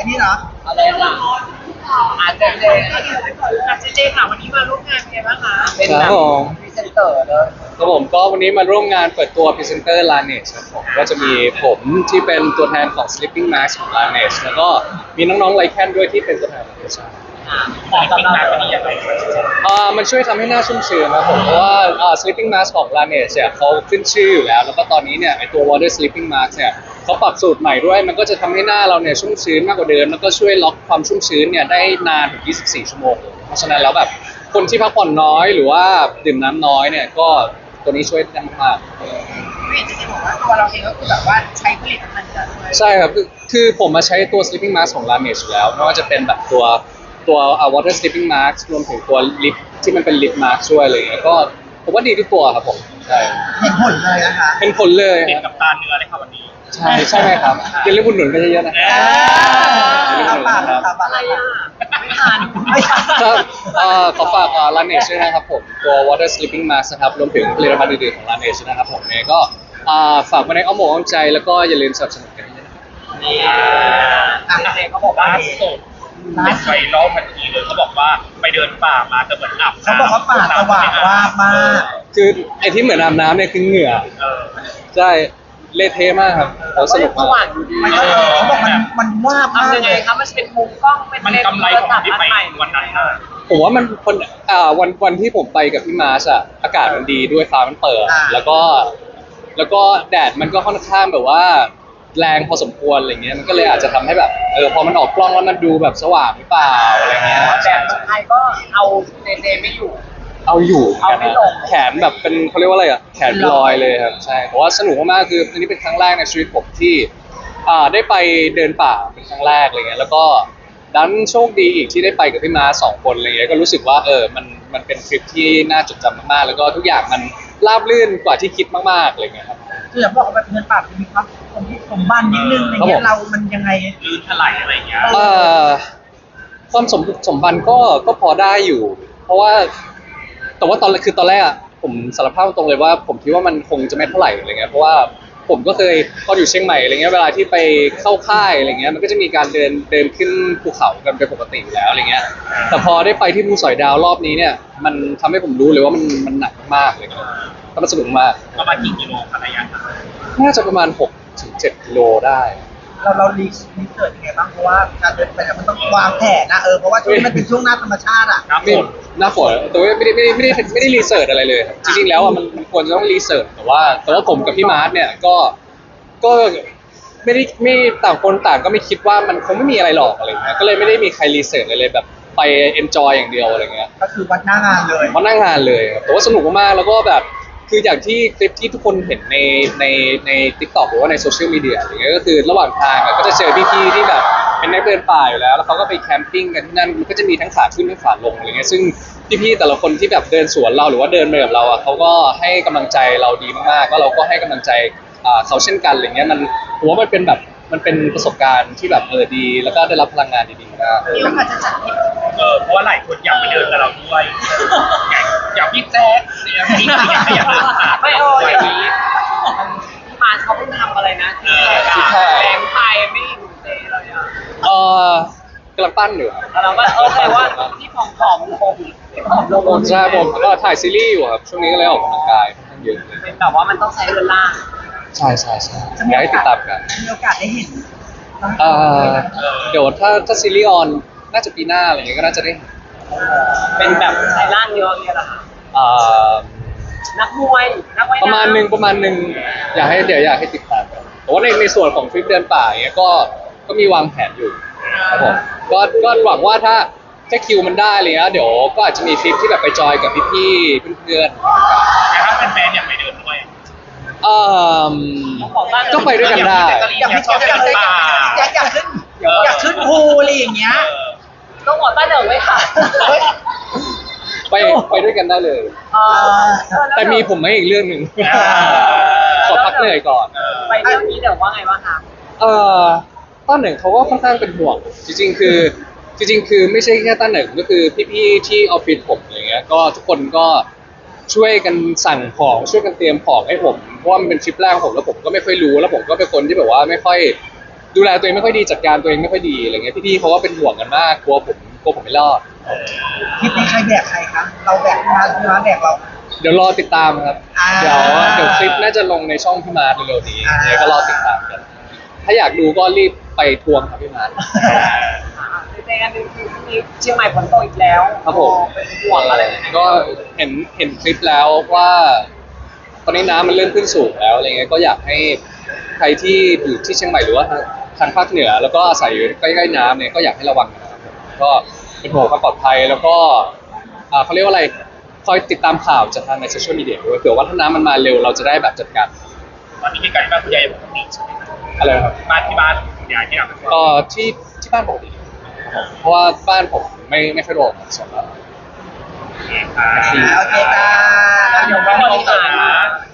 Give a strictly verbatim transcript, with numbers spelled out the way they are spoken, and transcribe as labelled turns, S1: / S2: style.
S1: อันนี้เนาะ
S2: อะไรล่ะอาจจะเจอาจจะเจค่ะวันนี้มาร่วมงานเป็นไงบ้างคะเป็นแบบพรีเซนเตอร์เลย
S3: ครับผมก็วันนี้มาร่วมงานเปิดตัวพรีเซนเตอร์ Laneige ครับผมก็จะมีผมที่เป็นตัวแทนของ Sleeping Mask ของ Laneige แล้วก็มีน้องๆไลแคนด้วยที่เป็นตัวแทนของเอชา
S2: เหมาะกับเราวันนี้ยังไง
S3: อ่ามันช่วยทำให้หน้าชุ่มชื้นนะครับผมเพราะว่าอ่า Sleeping Mask ของ Laneige เนี่ยเขาขึ้นชื่ออยู่แล้วแล้วก็ตอนนี้เนี่ยไอตัว Water Sleeping Mask เนี่ยเขาปรับสูตรใหม่ด้วยมันก็จะทำให้หน้าเราเนี่ยชุ่มชื้นมากกว่าเดิมแล้วก็ช่วยล็อกความชุ่มชื้นเนี่ยได้นานถึงยี่สิบสี่ชั่วโมงเพราะฉะนั้นแล้วแบบคนที่พักผ่อนน้อยหรือว่าดื่มน้ำน้อยเนี่ยก็ตัวนี้ช่วยได้มาก
S2: พี่จะบอกว่าตัวเราเองก็คือแบบว่าใช้ผลิตภัณฑ์จาก
S3: ใช่ครับคือคือผมมาใช้ตัว sleeping mask ของ Laneige อยู่แล้วไม่ว่าจะเป็นแบบตัวตัว water sleeping mask รวมถึงตัวลิปที่มันเป็นลิปมาร์คช่วยอะไรอย่างเงี้ยก็ผมว่าดีทุกตัวครับผมใช่
S1: เห็นผลเลยนะคะ
S3: เป็นผลเลย
S2: ติดกับตาเนื้อเลยครับวันนี้
S3: ใช่ใช่ไหมครับอย่าลืมอุดหนุนกันเยอะๆนะ
S1: ครับอะไรอ่ะ
S2: ไม่ทาน
S3: ครับขอฝาก Laneige ด้วยนะครับผมตัว water sleeping mask นะครับรวมถึงผลิตภัณฑ์อื่นๆของ Laneige นะครับผมเนี่ยก็ฝากไว้ในอ้อมอกอ้อมใจแล้วก็อย่าลืมสนับสนุนกันด้วยนะครับ
S2: นี่เด็กเขาบอกว่าสดเป็นไฟล้อทันทีเลยเขาบอกว่าไปเดินป่ามาจะเหมือนอาบ
S1: เขาบอกว่าป่าสว่างว่ามาก
S3: คือไอ้ที่เหมือนอาบน้ำเนี่ยคือเหงื่อใช่เละเทะมากครับเขาสนุกมาก
S1: มันก็เขาบอกมันมันว่ามาก
S2: ยังไงครับมันเป็นมุมกล้องเป็นกำไรของที่ไปวันนั้น
S3: ผมว่ามันคนอ่าวันวันที่ผมไปกับพี่มาร์ชอะอากาศมันดีด้วยฟ้ามันเปิดแล้วก็แล้วก็แดดมันก็ค่อนข้างแบบว่าแรงพอสมควรอะไรเงี้ยมันก็เลยอาจจะทำให้แบบเออพอมันออกกล้องแล้วมันดูแบบสว่างหรือเปล่าอะไรเงี้ย
S2: แต่ไทยก็เอาเจเจไม่อยู่
S3: เอาอยู่
S2: เอาไม่ลง
S3: แขนแบบเป็นเขาเรียกว่าอะไรอ่ะแขนลอยเลยครับใช่เพราะว่าสนุกมากๆคืออันนี้เป็นครั้งแรกในชีวิตผมที่อ่าได้ไปเดินป่าเป็นครั้งแรกอะไรเงี้ยแล้วก็ดันโชคดีอีกที่ได้ไปกับพี่มาสองคนอะไรเงี้ยก็รู้สึกว่าเออมันมันเป็นทริปที่น่าจดจำมากๆแล้วก็ทุกอย่างมันราบรื่นกว่าที่คิดมากๆอะไรเงี้ยครับ
S1: คืออยากบอกว่าแบบเดินป่าจะมีความสมบุกสมบันนิดนึงอะไรเงี้ยเรามันยังไง
S2: ลื่นถลายอะไรเงี้ย
S3: เอ่อความสมบุกสมบันก็ก็พอได้อยู่เพราะว่าแต่ว่าตอนคือตอนแรกอะผมสารภาพตรงเลยว่าผมคิดว่ามันคงจะไม่เท่าไหร่อะไรเงี้ยเพราะว่าผมก็เคยตอนอยู่เชียงใหม่อะไรเงี้ยเวลาที่ไปเข้าค่ายอะไรเงี้ยมันก็จะมีการเดินเดินขึ้นภูเขากันเป็นปกติอยู่แล้วอะไรเงี้ยแต่พอได้ไปที่ภูสอยดาวรอบนี้เนี่ยมันทำให้ผมรู้เลยว่ามันมันหนักมากเลยครับก็มันสนุกมาก
S2: ประมาณกี่กิโลครับระยะทาง
S3: น่าจะประมาณหกถึงเจ็ดกิโลได้
S1: เราเรารีรีเสิร์ชยังไงบ้างเพราะว่าการเดินไปเนี่ยมันต้องวางแผนนะเออเพราะว่าช่วงนี้มันเป็นช่วงหน้าธรรมชาติอ่ะ
S3: ไม่หน้าฝนแต่ว่าไม่ได้ไม่ได้ไม่ได้ไม่ได้รีเสิร์ชอะไรเลยจริงๆแล้วอ่ะมันมันควรจะต้องรีเสิร์ชแต่ว่าแต่ว่าผมกับพี่มาร์ทเนี่ยก็ก็ไม่ได้ไม่ต่างคนต่างก็ไม่คิดว่ามันคงไม่มีอะไรหรอกอะไรเงี้ยก็เลยไม่ได้มีใครรีเสิร์ชอะไรเลยแบบไปเอนจอยอย่างเดียวอะไรเงี้ย
S1: ก็คือวัดหน้างานเลย
S3: วัดหน้างานเลยแต่ว่าสนุกมากๆแล้วก็แบบคืออย่างที่คลิปที่ทุกคนเห็นในในใน TikTok หรือว่าในโซเชียลมีเดียอะไรเงี้ยก็คือระหว่างทางก็จะเจอพี่ๆที่แบบเป็นนักเดินป่าอยู่แล้วแล้วเขาก็ไปแคมปิ้งกันที่นั่นมันก็จะมีทั้งขาขึ้นทั้งขาลงอะไรเงี้ยซึ่งพี่ๆแต่ละคนที่แบบเดินสวนเราหรือว่าเดินไปกับเราอ่ะเขาก็ให้กำลังใจเราดีมากๆก็เราก็ให้กำลังใจเขาเช่นกันอะไรเงี้ยมันผมว่ามันเป็นแบบมันเป็นประสบการณ์ที่แบบเออดีแล้วก็ได้รับพลังงานดีๆมาก
S2: มีโอกาสจะจัดเออเพราะว่าหลายคนอยากไปเดินกับเราด้วยอยากพี่แจ๊คเนี่ยพี่อยากอยากเดินป่าไม่โอ้ยพี่มาเขาเพิ่งทำอะไรนะที่แรงไปไม่อยู่เตะเลยอ่ะ
S3: เออกำลังปั้นอยู่
S2: กำลังว่าเออแต่ว่าที่ผอมๆลงที่ผอมลง
S3: ใช่ผมก็ถ่ายซีรีส์อยู่ครับช่วงนี้ก็เลยออกกำลังกายค่อนข้างเยอะเลย
S2: แต่ว่ามันต้องใช้เวลา
S3: ใช่ใช่ใช่อยากให้ติดตามกัน
S1: มีโอกาสได้เห็น
S3: เดี๋ยวถ้าถ้าซีรีส์ออนน่าจะปีหน้าอะไรอย่างเงี้ยก็น่าจะได้
S2: เป็นแบบใช้ร่างเยอะเนี่ยหรอนักมวยนักว่ายน้ำ
S3: ประมาณหนึ่งประมาณหนึ่งอยากให้เดี๋ยวอยากให้ติดตามกันแต่ว่าในในส่วนของทริปเดินป่าอย่างเงี้ยก็ก็มีวางแผนอยู่ครับผมก็ก็หวังว่าถ้าถ้าคิวมันได้อะไรเงี้ยเดี๋ยวก็อาจจะมีทริปที่แบบไปจอยกับพี่ๆเพื่อน
S2: ๆแต่ถ้าเป็นแฟนอยากไปเดินด้วย
S3: เอ่อก็ไปด้วยกันได้
S1: อยากไปชอบอยากอยากอยากขึ้นอยากขึ้นภูอะไรอย่างเงี้ย
S2: ต้องบอกต้าเดิมไหมคะ
S3: ไปไปด้วยกันได้เลยแต่มีผมไม่อีกเรื่องหนึ่งขอพักเหนื่อยก่อน
S2: ไปเรื่องนี้เดี๋ยวว่าไงบ้างคะ
S3: เอ่อต้นหนึ่งเขาก็ค่อนข้างเป็นห่วงจริงๆคือจริงๆคือไม่ใช่แค่ต้นหนึ่งก็คือพี่ๆที่ออฟฟิศผมอะไรเงี้ยก็ทุกคนก็ช่วยกันสั่งของช่วยกันเตรียมของให้ผมเพราะว่ามันเป็นทริปแรกของผมแล้วผมก็ไม่ค่อยรู้แล้วผมก็เป็นคนที่แบบว่าไม่ค่อยดูแลตัวเองไม่ค่อยดีจัดการตัวเองไม่ค่อยดีอะไรเงี้ยพี่ๆเขาก็เป็นห่วงกันมากกลัวผมกลัวผมไม่รอด
S1: คลิปนี้ใครแบกใครครับเราแบกพี่มาร์คพี่มาร์คแบกเรา
S3: เดี๋ยวรอติดตามครับ
S1: อ่า
S3: เดี๋ยวเดี๋ยวคลิปน่าจะลงในช่องพี่มาร์ทเร็วๆนี้
S1: อ่า
S3: เนี่ยก็รอติดตามกัน ถ้าอยากดูก็รีบไปทวงครับพี่มาร์ท
S2: เจอกันหนึ่งคือที่เชียงใหม่ฝนตกอีกแล้ว
S3: ครับผม
S2: เป็นห่วงอะไรไหม
S3: ก็เห็นเห็นคลิปแล้วว่า ตอนนี้น้ำมันเริ่มขึ้นสูงแล้วอะไรเงี้ยก็อยากให้ใครที่อยู่ที่เชียงใหม่หรือว่าทางภาคเหนือ แล้วก็อาศัยอยู่ใกล้ๆน้ำเนี่ยก็อยากให้ระวังนะครับก็เป็นห่วงความปลอดภัยแล้วก็อ่าเขาเรียกว่าอะไรคอยติดตามข่าวจากทางในโซเชียลมีเดียด้วยเผื่อว่าถ้าน้ำมันมาเร็วเราจะได้แบบจัดการ
S2: ตอนนี้มีการบ้านผู้ใหญ่ปกติใช่ไหม
S3: อะไรนะครับ
S2: บ้านที่บ้านคุณยายที่เราเป็น
S3: ก็ที่ที่บ้านปกติเพราะว่าบ้านผมไม่ไม่ค่อยโดนสองแล้ว
S2: โอเคค่ะ
S1: อ่าโอเคจ้า
S2: เดี๋ยวไม่ต้องสา